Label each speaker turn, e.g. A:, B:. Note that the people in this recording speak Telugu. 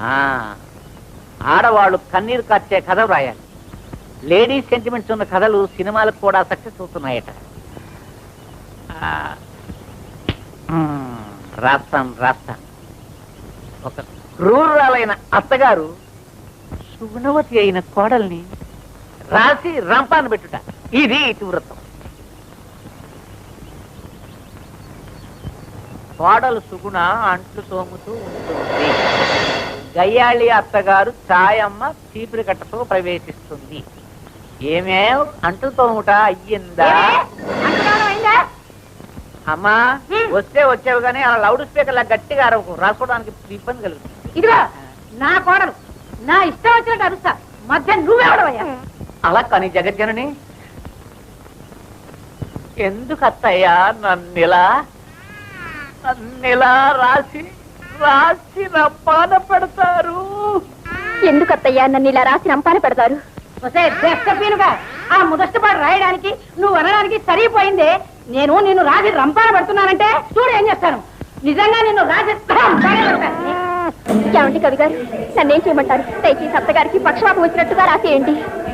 A: ఆడవాళ్ళు కన్నీరు కార్చే కథ రాయాలి. లేడీస్ సెంటిమెంట్స్ ఉన్న కథలు సినిమాలకు కూడా సక్సెస్ అవుతున్నాయట. రాస్తాను. ఒక క్రూరాలైన అత్తగారు సుగుణవతి అయిన కోడల్ని రాసి రంపాన పెట్టుట. ఇది ఇతివృత్తం. కోడలు సుగుణ అంట్లు తోముతూ ఉంటుంది. గయ్యాళి అత్తగారు ఛాయమ్మ చీపురి కట్టతో ప్రవేశిస్తుంది. ఏమే అంట్లు తోముట అయ్యిందా? అమ్మా వస్తే వచ్చావు కానీ అలా లౌడ్ స్పీకర్ లా గట్టిగా అరవకు, రాసుకోవడానికి ఇబ్బంది కలుగుతుంది.
B: ఇదిగో నా కోడలు, నా ఇష్టం వచ్చినట్టు అరుస్తా, మధ్య నువ్వెవడవయ్యా?
A: అలా కానీ జగజ్జనని ఎందుకు అత్తయ్యా నన్నిలా రాసి రంపాన పెడతారు?
C: ఎందుకు అత్తయ్యా నన్ను ఇలా రాసి రంపాన పెడతారు?
B: ఆ ముదష్టపాడు రాయడానికి నువ్వు అనడానికి సరిపోయిందే. నేను నిన్ను రాసి రంపాన పెడుతున్నానంటే చూడు ఏం చేస్తాను. నిజంగా నిన్ను రాసి
C: ఏమండి కవి గారు, నన్నేం చేయమంటారు? దయచేసి అత్తగారికి పక్షవాతం వచ్చినట్టుగా రాసేయండి.